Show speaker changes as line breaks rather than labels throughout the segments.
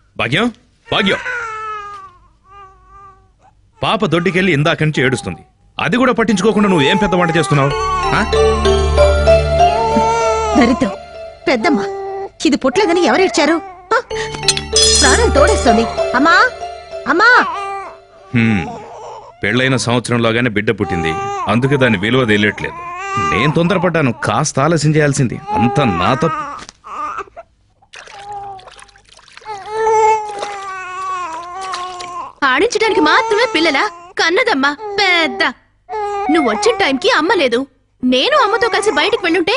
భాగ్యం భాగ్యం పాప దొడ్డికెళ్ళి ఇందాక నుంచి ఏడుస్తుంది. అది కూడా పట్టించుకోకుండా నువ్వు ఏం పెద్ద వంట చేస్తున్నావు?
దరిద్రం పెద్దమ్మ, ఇది పుట్టలేదని ఎవరిచ్చారు? ప్రాణం తోడేస్తుంది. అమ్మా అమ్మా,
పెళ్ళైన సంవత్సరంలోగానే బిడ్డ పుట్టింది, అందుకే దాని విలువ తెలియట్లేదు. నేను తొందరపడ్డాను, కాస్త ఆలస్యం చేయాల్సింది. అంత నా తప్పు.
ఆడించడానికి మాత్రమే పిల్లలా? కన్నదమ్మా పెద్ద. నువ్వు వచ్చిన టైంకి అమ్మ లేదు. నేను అమ్మతో కలిసి బయటికి వెళ్ళుంటే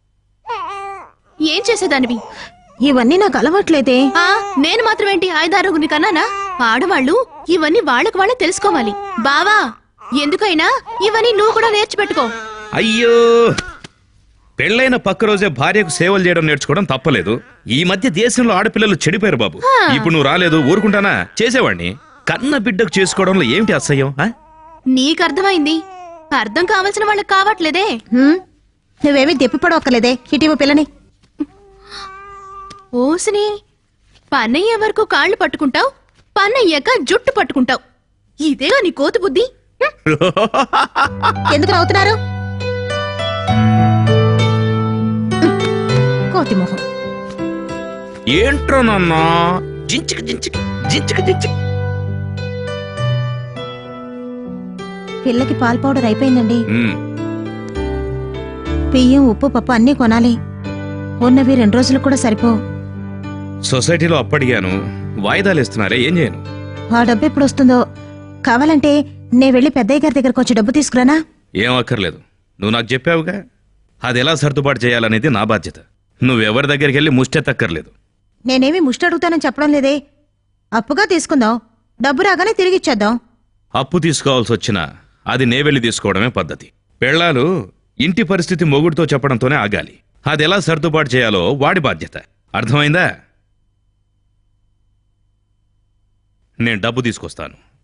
ఏం చేసేదానివి?
ఇవన్నీ నాకు అలవాట్లేదే.
నేను మాత్రమేంటి 5-6 కన్నానా? ఆడవాళ్ళు ఇవన్నీ వాళ్ళకి వాళ్ళే తెలుసుకోవాలి. బావా, ఎందుకైనా ఇవన్నీ నువ్వు కూడా నేర్చిపెట్టుకో.
అయ్యో, పెళ్ళైన పక్క రోజే భార్యకు సేవలు చేయడం నేర్చుకోవడం తప్పలేదు. ఈ మధ్య దేశంలో ఆడపిల్లలు చెడిపోయారు బాబు. ఇప్పుడు నువ్వు రాలేదు, ఊరుకుంటానా? చేసేవాడిని. కన్న బిడ్డకు చేసుకోవడంలో ఏమిటి అసహ్యం?
నీకు అర్థమైంది, అర్థం కావాల్సిన వాళ్ళకి కావట్లేదే.
నువ్వేమీ దెప్పిపడవక్కలేదే. ఇటీవ పిల్లని
ఓసిని, పన్నయ్యే వరకు కాళ్ళు పట్టుకుంటావు, పన్నయ్యాక జుట్టు పట్టుకుంటావు. ఇదేగా నీ కోతి బుద్ధి.
ఎందుకు నవ్వుతున్నారు? కోతి మొహం.
ఏంట్రో నాన్న, జించిక జించిక జించిక జించిక.
పిల్లకి పాల్ పౌడర్ అయిపోయిందండి. బియ్యం, ఉప్పు, పప్పు అన్నీ కొనాలి. ఉన్నవి 2 రోజులు కూడా సరిపో.
సొసైటీలో అప్పడిగాను, వాయిదాలు ఇస్తున్నారే, ఏం చేయను?
ఆ డబ్బు ఎప్పుడు వస్తుందో. కావాలంటే నే వెళ్ళి పెద్దయ్య గారి దగ్గరకు వచ్చి డబ్బు తీసుకురానా?
ఏం అక్కర్లేదు, నువ్వు నాకు చెప్పావుగా. అది ఎలా సర్దుబాటు చేయాలనేది నా బాధ్యత. నువ్వెవరి దగ్గరికి వెళ్ళి ముష్టెత్తక్కర్లేదు.
నేనేమి ముష్టి అడుగుతానని చెప్పడం లేదే. అప్పుగా తీసుకుందాం, డబ్బు రాగానే తిరిగిచ్చేద్దాం.
అప్పు తీసుకోవాల్సి వచ్చినా అది నే వెళ్ళి తీసుకోవడమే పద్ధతి. పెళ్ళాలు ఇంటి పరిస్థితి మొగుడితో చెప్పడంతోనే ఆగాలి. అది ఎలా సర్దుబాటు చేయాలో వాడి బాధ్యత. అర్థమైందా? నేను డబ్బు తీసుకొస్తాను.